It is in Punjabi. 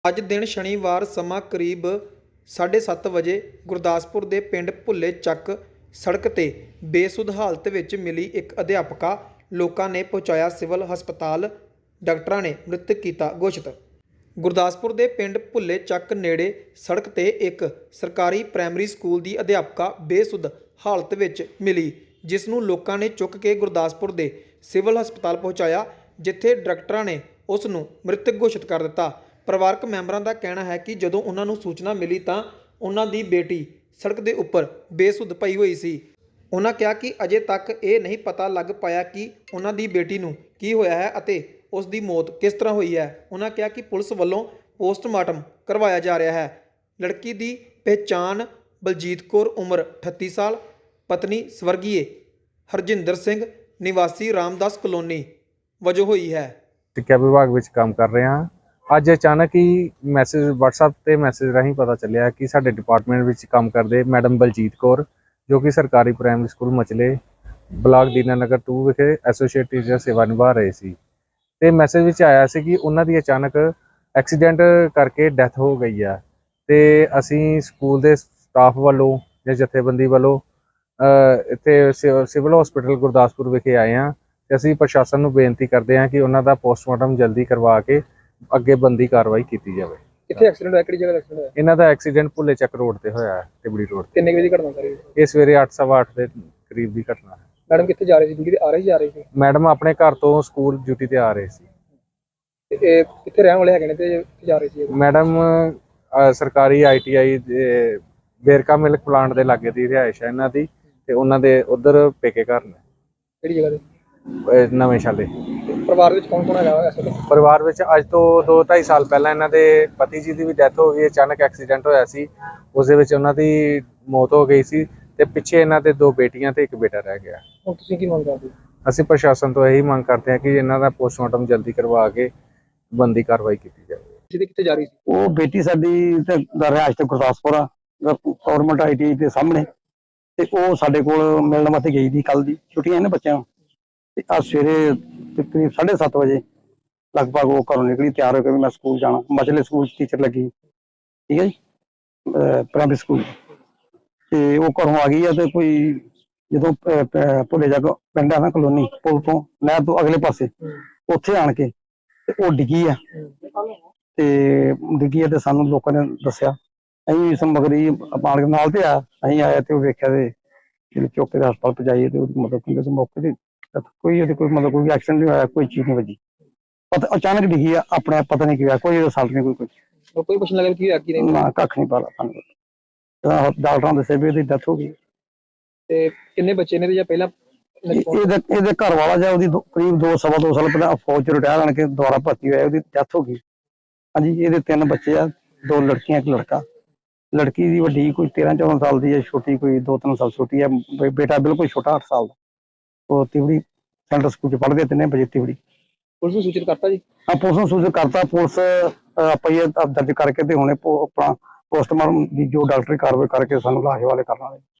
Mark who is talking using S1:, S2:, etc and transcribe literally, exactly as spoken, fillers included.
S1: ਅੱਜ ਦਿਨ ਸ਼ਨੀਵਾਰ ਸਮਾਂ ਕਰੀਬ ਸਾਢੇ ਸੱਤ ਵਜੇ ਗੁਰਦਾਸਪੁਰ ਦੇ ਪਿੰਡ ਭੁੱਲੇ ਚੱਕ ਸੜਕ 'ਤੇ ਬੇਸੁੱਧ ਹਾਲਤ ਵਿੱਚ ਮਿਲੀ ਇੱਕ ਅਧਿਆਪਕਾ ਲੋਕਾਂ ਨੇ ਪਹੁੰਚਾਇਆ ਸਿਵਲ ਹਸਪਤਾਲ। ਡਾਕਟਰਾਂ ਨੇ ਮ੍ਰਿਤਕ ਕੀਤਾ ਘੋਸ਼ਿਤ। ਗੁਰਦਾਸਪੁਰ ਦੇ ਪਿੰਡ ਭੁੱਲੇ ਚੱਕ ਨੇੜੇ ਸੜਕ 'ਤੇ ਇੱਕ ਸਰਕਾਰੀ ਪ੍ਰਾਇਮਰੀ ਸਕੂਲ ਦੀ ਅਧਿਆਪਕਾ ਬੇਸੁੱਧ ਹਾਲਤ ਵਿੱਚ ਮਿਲੀ, ਜਿਸ ਨੂੰ ਲੋਕਾਂ ਨੇ ਚੁੱਕ ਕੇ ਗੁਰਦਾਸਪੁਰ ਦੇ ਸਿਵਲ ਹਸਪਤਾਲ ਪਹੁੰਚਾਇਆ, ਜਿੱਥੇ ਡਾਕਟਰਾਂ ਨੇ ਉਸ ਨੂੰ ਮ੍ਰਿਤਕ ਘੋਸ਼ਿਤ ਕਰ ਦਿੱਤਾ। ਪਰਿਵਾਰਕ ਮੈਂਬਰਾਂ ਦਾ ਕਹਿਣਾ ਹੈ ਕਿ ਜਦੋਂ ਉਹਨਾਂ ਨੂੰ ਸੂਚਨਾ ਮਿਲੀ ਤਾਂ ਉਹਨਾਂ ਦੀ ਬੇਟੀ ਸੜਕ ਦੇ ਉੱਪਰ ਬੇਸੁੱਧ ਪਈ ਹੋਈ ਸੀ। ਉਹਨਾਂ ਕਿਹਾ ਕਿ ਅਜੇ ਤੱਕ ਇਹ ਨਹੀਂ ਪਤਾ ਲੱਗ ਪਾਇਆ ਕਿ ਉਹਨਾਂ ਦੀ ਬੇਟੀ ਨੂੰ ਕੀ ਹੋਇਆ ਹੈ ਅਤੇ ਉਸ ਦੀ ਮੌਤ ਕਿਸ ਤਰ੍ਹਾਂ ਹੋਈ ਹੈ। ਉਹਨਾਂ ਕਿਹਾ ਕਿ ਪੁਲਿਸ ਵੱਲੋਂ ਪੋਸਟਮਾਰਟਮ ਕਰਵਾਇਆ ਜਾ ਰਿਹਾ ਹੈ। ਲੜਕੀ ਦੀ ਪਹਿਚਾਣ ਬਲਜੀਤ ਕੌਰ ਉਮਰ ਅਠੱਤੀ ਸਾਲ, ਪਤਨੀ ਸਵਰਗੀਏ ਹਰਜਿੰਦਰ ਸਿੰਘ ਨਿਵਾਸੀ ਰਾਮਦਾਸ ਕਲੋਨੀ ਵਜੋਂ ਹੋਈ ਹੈ।
S2: ਸਿੱਖਿਆ ਵਿਭਾਗ ਵਿੱਚ ਕੰਮ ਕਰ ਰਹੇ ਹਾਂ। ਅੱਜ ਅਚਾਨਕ ਹੀ ਮੈਸੇਜ WhatsApp ਤੇ ਮੈਸੇਜ ਰਾਹੀਂ ਪਤਾ ਚੱਲਿਆ ਕਿ ਸਾਡੇ ਡਿਪਾਰਟਮੈਂਟ ਵਿੱਚ ਕੰਮ ਕਰਦੇ ਮੈਡਮ ਬਲਜੀਤ ਕੌਰ, ਜੋ ਕਿ ਸਰਕਾਰੀ primary school Machle block Dinanagar ਦੋ ਵਿਖੇ ਐਸੋਸੀਏਟ ਟੀਚਰ ਸੇਵਾ ਨਿਭਾ ਰਹੇ ਸੀ। ਤੇ ਮੈਸੇਜ ਵਿੱਚ ਆਇਆ ਸੀ ਕਿ ਉਹਨਾਂ ਦੀ ਅਚਾਨਕ ਐਕਸੀਡੈਂਟ ਕਰਕੇ ਡੈਥ ਹੋ ਗਈ ਆ। ਤੇ ਅਸੀਂ ਸਕੂਲ ਦੇ ਸਟਾਫ ਵੱਲੋਂ ਜਾਂ ਜਥੇਬੰਦੀ ਵੱਲੋਂ ਇੱਥੇ ਸਿਵਲ ਹਸਪੀਟਲ ਗੁਰਦਾਸਪੁਰ ਵਿਖੇ ਆਏ ਹਾਂ ਤੇ ਅਸੀਂ ਪ੍ਰਸ਼ਾਸਨ ਨੂੰ ਬੇਨਤੀ ਕਰਦੇ ਹਾਂ ਕਿ ਉਹਨਾਂ ਦਾ ਪੋਸਟਮਾਰਟਮ ਜਲਦੀ ਕਰਵਾ ਕੇ ਅੱਗੇ ਬੰਦੀ ਕਾਰਵਾਈ ਕੀਤੀ ਜਾਵੇ।
S1: ਕਿੱਥੇ ਐਕਸੀਡੈਂਟ ਹੋਇਆ, ਕਿਹੜੀ ਜਗ੍ਹਾ ਐਕਸੀਡੈਂਟ ਹੋਇਆ?
S2: ਇਹਨਾਂ ਦਾ ਐਕਸੀਡੈਂਟ ਭੁੱਲੇ ਚੱਕ ਰੋਡ ਤੇ ਹੋਇਆ ਹੈ, ਤਿਬੜੀ ਰੋਡ ਤੇ।
S1: ਕਿੰਨੇ ਵਜੇ ਦੀ ਘਟਨਾ ਸਾਰੀ?
S2: ਇਹ ਸਵੇਰੇ ਅੱਠ ਸਵਾ ਅੱਠ ਦੇ ਕਰੀਬ ਦੀ ਘਟਨਾ ਹੈ।
S1: ਮੈਡਮ ਕਿੱਥੇ ਜਾ ਰਹੀ ਸੀ? ਡਿਊਟੀ ਤੇ ਆ ਰਹੀ ਜਾ ਰਹੀ ਸੀ?
S2: ਮੈਡਮ ਆਪਣੇ ਘਰ ਤੋਂ ਸਕੂਲ ਡਿਊਟੀ ਤੇ ਆ ਰਹੇ ਸੀ।
S1: ਤੇ ਇਹ ਕਿੱਥੇ ਰਹਿਣ ਵਾਲੇ ਹੈਗੇ ਨੇ ਤੇ ਕਿੱਥੇ ਜਾ ਰਹੇ ਸੀ?
S2: ਮੈਡਮ ਸਰਕਾਰੀ ਆਈ ਟੀ ਆਈ ਦੇ ਬੇਰਕਾ ਮਿਲਕ ਪਲਾਂਟ ਦੇ ਲਾਗੇ ਦੀ ਰਿਹਾਇਸ਼ ਹੈ ਇਹਨਾਂ ਦੀ, ਤੇ ਉਹਨਾਂ ਦੇ ਉਧਰ ਪੇਕੇ ਘਰ ਨੇ।
S1: ਕਿਹੜੀ ਜਗ੍ਹਾ ਤੇ?
S2: ਨਵੇਂ ਸ਼ਾਲੇ।
S1: ਪਰਿਵਾਰ ਵਿੱਚ ਕੌਣ ਕੌਣ ਹੈਗਾ ਇਸ ਵੇਲੇ?
S2: ਪਰਿਵਾਰ ਵਿੱਚ ਅੱਜ ਤੋਂ ਦੋ ਢਾਈ ਸਾਲ ਪਹਿਲਾਂ ਇਹਨਾਂ ਦੇ ਪਤੀ ਜੀ ਦੀ ਵੀ ਡੈਥ ਹੋ ਗਈ। ਅਚਾਨਕ ਐਕਸੀਡੈਂਟ ਹੋਇਆ ਸੀ, ਉਸ ਦੇ ਵਿੱਚ ਉਹਨਾਂ ਦੀ ਮੌਤ ਹੋ ਗਈ ਸੀ ਤੇ ਪਿੱਛੇ ਇਹਨਾਂ ਦੇ ਦੋ ਬੇਟੀਆਂ ਤੇ ਇੱਕ ਬੇਟਾ ਰਹਿ ਗਿਆ।
S1: ਹੁਣ ਤੁਸੀਂ ਕੀ ਮੰਗ ਕਰਦੇ ਹੋ?
S2: ਅਸੀਂ ਪ੍ਰਸ਼ਾਸਨ ਤੋਂ ਇਹੀ ਮੰਗ ਕਰਦੇ ਹਾਂ ਕਿ ਇਹਨਾਂ ਦਾ ਪੋਸਟਮਾਰਟਮ ਜਲਦੀ ਕਰਵਾ ਕੇ ਬੰਦੀ ਕਾਰਵਾਈ ਕੀਤੀ ਜਾਵੇ।
S1: ਜਿਹਦੇ ਕਿੱਥੇ ਜਾ ਰਹੀ ਸੀ?
S3: ਉਹ ਬੇਟੀ ਸਾਡੀ ਤੇ ਰਿਹਾਇਸ਼ ਤੇ ਗੁਰਦਾਸਪੁਰ ਆ, ਗਵਰਨਮੈਂਟ ਆਈ ਟੀ ਆਈ ਦੇ ਸਾਹਮਣੇ, ਤੇ ਉਹ ਸਾਡੇ ਕੋਲ ਮਿਲਣ ਵਾਸਤੇ ਗਈ ਦੀ। ਕੱਲ ਦੀ ਛੁੱਟੀਆਂ ਨੇ ਬੱਚਿਆਂ ਨੂੰ, ਤੇ ਅੱਜ ਸਵੇਰੇ ਤਕਰੀਬ ਸਾਢੇ ਸੱਤ ਵਜੇ ਲਗਭਗ ਉਹ ਘਰੋਂ ਨਿਕਲੀ ਤਿਆਰ ਹੋ ਕੇ ਵੀ ਮੈਂ ਸਕੂਲ ਜਾਣਾ। ਮਚਲੇ ਸਕੂਲ ਟੀਚਰ ਲੱਗੀ, ਠੀਕ ਹੈ ਜੀ, ਪ੍ਰਾਇਮਰੀ ਸਕੂਲ। ਤੇ ਉਹ ਘਰੋਂ ਆ ਗਈ ਆ ਤੇ ਕੋਈ ਜਦੋਂ ਭੁੱਲੇ ਜਾ ਕੇ ਪਿੰਡ ਆ ਨਾ ਕਲੋਨੀ, ਪੁਲ ਤੋਂ ਨਹਿਰ ਤੋਂ ਅਗਲੇ ਪਾਸੇ, ਉੱਥੇ ਆਣ ਕੇ ਤੇ ਉਹ ਡਿੱਗੀ ਆ। ਤੇ ਡਿੱਗੀ ਆ ਤੇ ਸਾਨੂੰ ਲੋਕਾਂ ਨੇ ਦੱਸਿਆ। ਅਸੀਂ ਸਮਗਰੀ ਪਾਣ ਨਾਲ ਤੇ ਆ ਅਸੀਂ ਆਇਆ ਤੇ ਉਹ ਵੇਖਿਆ ਤੇ ਜਿਹੜੇ ਚੌਕੇ ਦੇ ਹਸਪਤਾਲ ਪਹੁੰਚਾਈਏ ਤੇ ਉਹਦੀ ਮਤਲਬ ਕਿ ਮੌਕੇ ਤੇ ਕੋਈ ਉਹਦੇ ਕੋਈ ਮਤਲਬ ਕੋਈ ਐਕਸੀਡੈਂਟ ਨਹੀਂ ਹੋਇਆ, ਕੋਈ ਚੀਜ਼ ਨਹੀਂ ਵੱਜੀ। ਪਤਾ ਅਚਾਨਕ ਡਿੱਗੀ ਆ, ਆਪਣੇ ਆਪ ਪਤਾ ਨਹੀਂ ਕੀ ਹੋਇਆ, ਕੋਈ ਰਿਸਲਟ ਨਹੀਂ, ਕੋਈ ਕੁਝ
S1: ਕੋਈ ਪੁੱਛਣ ਲੱਗਾ ਕੀ ਹੋਇਆ ਕੀ ਨਹੀਂ?
S3: ਨਾ ਕੱਖ ਨਹੀਂ ਪਤਾ ਸਾਨੂੰ। ਡਾਕਟਰਾਂ ਦੱਸਿਆ ਵੀ ਇਹਦੀ ਡੈਥ ਹੋ ਗਈ।
S1: ਤੇ ਕਿੰਨੇ ਬੱਚੇ ਨੇ? ਜਾਂ ਪਹਿਲਾਂ
S3: ਇਹਦੇ ਇਹਦੇ ਘਰ ਵਾਲਾ ਜਾਂ ਉਹਦੀ ਕਰੀਬ ਦੋ ਸਵਾ ਦੋ ਸਾਲ ਪਹਿਲਾਂ ਫੌਜ ਚ ਰਿਟਾਇਰ ਆਣ ਕੇ ਦੁਬਾਰਾ ਭਰਤੀ ਹੋਇਆ, ਉਹਦੀ ਡੈਥ ਹੋ ਗਈ। ਹਾਂਜੀ, ਇਹਦੇ ਤਿੰਨ ਬੱਚੇ ਆ, ਦੋ ਲੜਕੀਆਂ ਇੱਕ ਲੜਕਾ। ਲੜਕੀ ਦੀ ਵੱਡੀ ਕੋਈ ਤੇਰਾਂ ਚੌਦਾਂ ਸਾਲ ਦੀ ਹੈ, ਛੋਟੀ ਕੋਈ ਦੋ ਤਿੰਨ ਸਾਲ ਛੋਟੀ ਹੈ। ਬੇਟਾ ਬਿਲਕੁਲ ਛੋਟਾ ਅੱਠ ਸਾਲ ਦਾ। ਉਹ ਤਿਵੜੀ ਸੈਂਟਰ ਸਕੂਲ ਚ ਪੜ੍ਹਦੇ, ਤਿੰਨੇ ਵਜੇ ਤਿਵੜੀ।
S1: ਪੁਲਿਸ ਨੂੰ ਸੂਚਿਤ ਕਰਤਾ ਜੀ?
S3: ਹਾਂ, ਪੁਲਿਸ ਨੂੰ ਸੂਚਿਤ ਕਰਤਾ। ਪੁਲਿਸ ਪਈਏ ਦਰਜ ਕਰਕੇ ਤੇ ਹੁਣੇ ਆਪਣਾ ਪੋਸਟਮਾਰਟਮ ਦੀ ਜੋ ਡਾਕਟਰੀ ਕਾਰਵਾਈ ਕਰਕੇ ਸਾਨੂੰ ਲਾਸ਼ ਵਾਲੇ ਕਰਨ ਵਾਲੇ।